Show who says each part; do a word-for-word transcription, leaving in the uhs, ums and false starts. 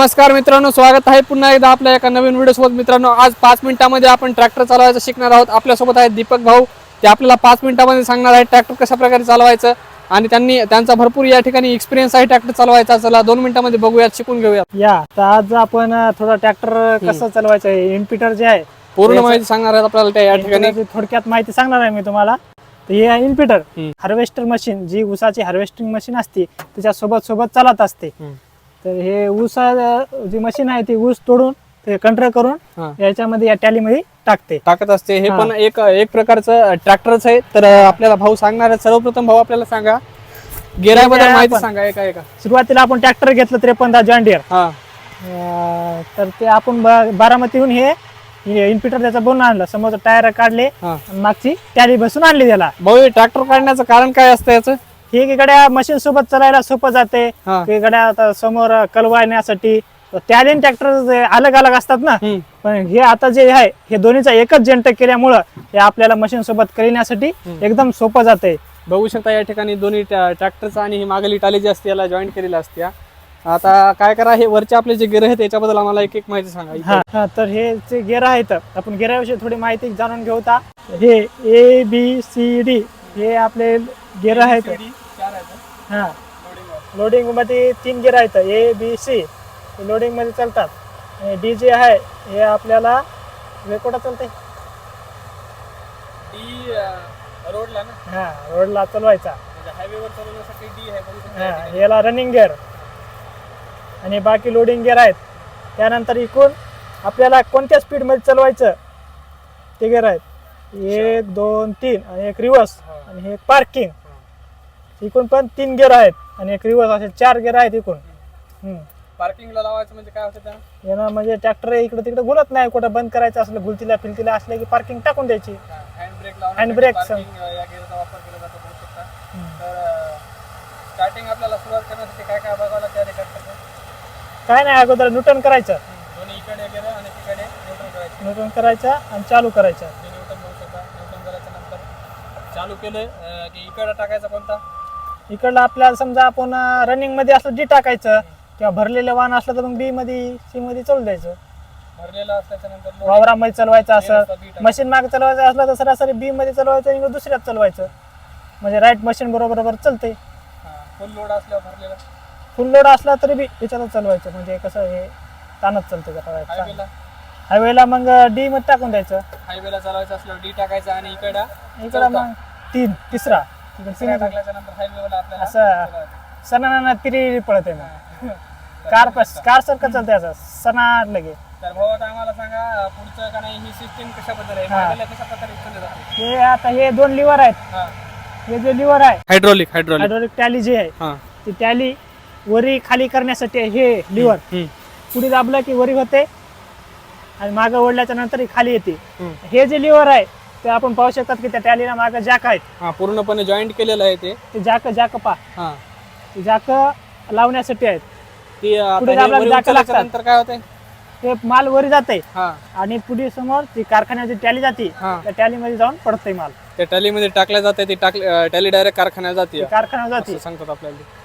Speaker 1: नमस्कार मित्रांनो, स्वागत आहे पुन्हा एकदा आपल्या एका नवीन व्हिडिओ सोबत। मित्रांनो, आज पाच मिनिटांमध्ये आपण ट्रॅक्टर चालवायचं शिकणार आहोत। आपल्यासोबत आहेत दीपक भाऊ, ते आपल्याला पाच मिनिटांमध्ये सांगणार आहेत ट्रॅक्टर कशा प्रकारे चालवायचं आणि त्यांनी त्यांचा भरपूर या ठिकाणी एक्सपिरियन्स आहे ट्रॅक्टर चालवायचा। चला दोन मिनिटांमध्ये बघूयात, शिकून घेऊयात।
Speaker 2: या तर आज आपण थोडा ट्रॅक्टर कसं चालवायचं आहे, इनपिटर जे आहे
Speaker 1: पूर्ण माहिती सांगणार आहेत आपल्याला त्या या ठिकाणी।
Speaker 2: थोडक्यात माहिती सांगणार आहे मी तुम्हाला। तर हे इनपिटर हार्वेस्टर मशीन, जी ऊसाची हार्वेस्टिंग मशीन असते त्याच्या सोबत सोबत चालत असते। तर हे ऊस जी मशीन आहे ती ऊस तोडून ते कंट्रोल करून याच्यामध्ये या टॅलीमध्ये टाकते
Speaker 1: टाकत असते। हे पण एक एक प्रकारचं ट्रॅक्टरच आहे। तर आपल्याला भाऊ सांगणार आहेत। सर्वप्रथम भाऊ आपल्याला सांगा, गेराबद्दल माहिती सांगा एका एका।
Speaker 2: सुरुवातीला आपण ट्रॅक्टर घेतलं त्रेपन्न जॉन डियर,
Speaker 1: हा
Speaker 2: तर ते आपण बारामतीहून हे इनपिटर त्याचा बनवून आणलं। समोरचं टायर काढले, मागची टॅली बसून आणली त्याला।
Speaker 1: भाऊ, ट्रॅक्टर काढण्याचं कारण काय असतं याचं?
Speaker 2: हे गड्या मशीन सोबत चालायला सोपं जाते। गड्या आता समोर कलवायण्यासाठी टॅली ट्रॅक्टर अलग अलग असतात ना, पण हे आता जे आहे हे दोन्हीचा एकच जंट केल्यामुळं हे आपल्याला मशीन सोबत करण्यासाठी एकदम सोपं जाते।
Speaker 1: बघू शकता या ठिकाणी दोन्ही ट्रॅक्टरचा आणि ही मागली टाली जी असते याला जॉईंट केलेली असते। आता काय करा, हे वरचे आपले जे गेअर आहेत त्याच्याबद्दल आम्हाला एक एक माहिती सांगा।
Speaker 2: हा, तर हे जे गेअर आहेत आपण गेअराविषयी थोडी माहिती जाणून घेऊ। हे ए बी सी डी हे आपले गेअर आहेत। हा, लोडिंग मध्ये तीन गेअर आहेत, ए बी सी लोडिंग मध्ये चालतात। डी जे आहे हे आपल्याला वेकोटा चालते,
Speaker 1: डी रोडला ना,
Speaker 2: हा रोडला चालवायचा,
Speaker 1: हायवेवर चालवण्यासाठी डी आहे।
Speaker 2: हा, याला रनिंग गेअर आणि बाकी लोडिंग गेअर आहेत। त्यानंतर इकडून आपल्याला कोणत्या स्पीड मध्ये चालवायचं ते गेअर आहेत, एक दोन तीन आणि एक रिव्हर्स आणि एक पार्किंग। इकडून पण तीन गेअर आहेत आणि एक रिव्हर्स, असे चार गेअर आहेत इकडून।
Speaker 1: पार्किंगला लावायचं म्हणजे काय होतं त्यानं?
Speaker 2: यानं म्हणजे ट्रॅक्टर इकडे तिकडे घुलत नाही, कुठं बंद करायचं असलं गुलतीला फिलतीला असले की पार्किंग टाकून द्यायची।
Speaker 1: हँड ब्रेक लावून
Speaker 2: हँड ब्रेक
Speaker 1: या गेअरचा वापर केला जातो बघू शकता। तर स्टार्टिंग आपल्याला सुरुवात करण्यासाठी काय काय बघावं लागतं या ट्रॅक्टरचं?
Speaker 2: काय नाही, अगोदर न्यूटन करायचं,
Speaker 1: दोन्ही इकडे गेअर आणि तिकडे न्यूट्रल करायचं।
Speaker 2: न्यूटन करायचं आणि चालू करायचं।
Speaker 1: न्यूटन बघू शकता। न्यूटन करायच्या नंतर चालू केलं की इकडे टाकायचा कोणता?
Speaker 2: इकडला आपल्याला समजा आपण रनिंग मध्ये असलं डी टाकायचं, किंवा भरलेलं वाहन असलं तर मग बी मध्ये सी मध्ये चालू द्यायचं।
Speaker 1: भरलेलं असल्याच्या नंतर
Speaker 2: वावरामध्ये चालवायचं असं, मशीन मागे चालवायचं असलं तर सरासरी बी मध्ये चालवायचं आणि दुसऱ्यात चालवायचं, म्हणजे राईट मशीन बरोबर बरोबर चालते।
Speaker 1: फुल लोड असल्यावर भरलेला,
Speaker 2: फुल लोड असला तरी बी याच्यातच चालवायचं, म्हणजे कसं हे ताणच चालतं।
Speaker 1: हायवेला
Speaker 2: हायवेला मग डी मध्ये टाकून द्यायचं।
Speaker 1: हायवेला चालवायचं असल्यावर डी टाकायचं आणि इकडं
Speaker 2: इकडं मग तीन तिसरा
Speaker 1: टाकल्याच्या नंतर हायवेला आपल्याला
Speaker 2: असं सणा तिरी पळत आहे मग कार कार सारखं चालतं असं सणा लगे।
Speaker 1: तर भाऊ, आता आम्हाला सांगा पुढचं का नाही, ही सिस्टीम कशा पद्धतीने आहे, कशा प्रकारे चालली जाते?
Speaker 2: हे आता हे दोन लिव्हर आहेत, हे जे लिव्हर आहे
Speaker 1: हायड्रोलिक हायड्रोलिक
Speaker 2: हायड्रोलिक टॅली जे आहे ती टॅली वरी खाली करण्यासाठी हे लिव्हर पुढे दाबलं की वरी होते आणि मागं ओढल्याच्या नंतर ही खाली येते। हे जे लिव्हर आहे ते आपण पाहू शकतात की त्या टॅलीला मागं जॅक आहेत,
Speaker 1: पूर्णपणे जॉईंट केलेलं आहे ते।
Speaker 2: ते जॅक जॅक पा जॅक लावण्यासाठी आहेत।
Speaker 1: पुढे नंतर काय होतंय,
Speaker 2: ते माल वरी जाते आणि पुढे समोर ती कारखान्याची टॅली जाते, त्या टॅली मध्ये जाऊन पडतंय माल,
Speaker 1: त्या टॅली मध्ये टाकल्या जाते। ती टाकली टॅली डायरेक्ट कारखान्यात जाते,
Speaker 2: कारखान्यात जाते
Speaker 1: सांगतात आपल्याला।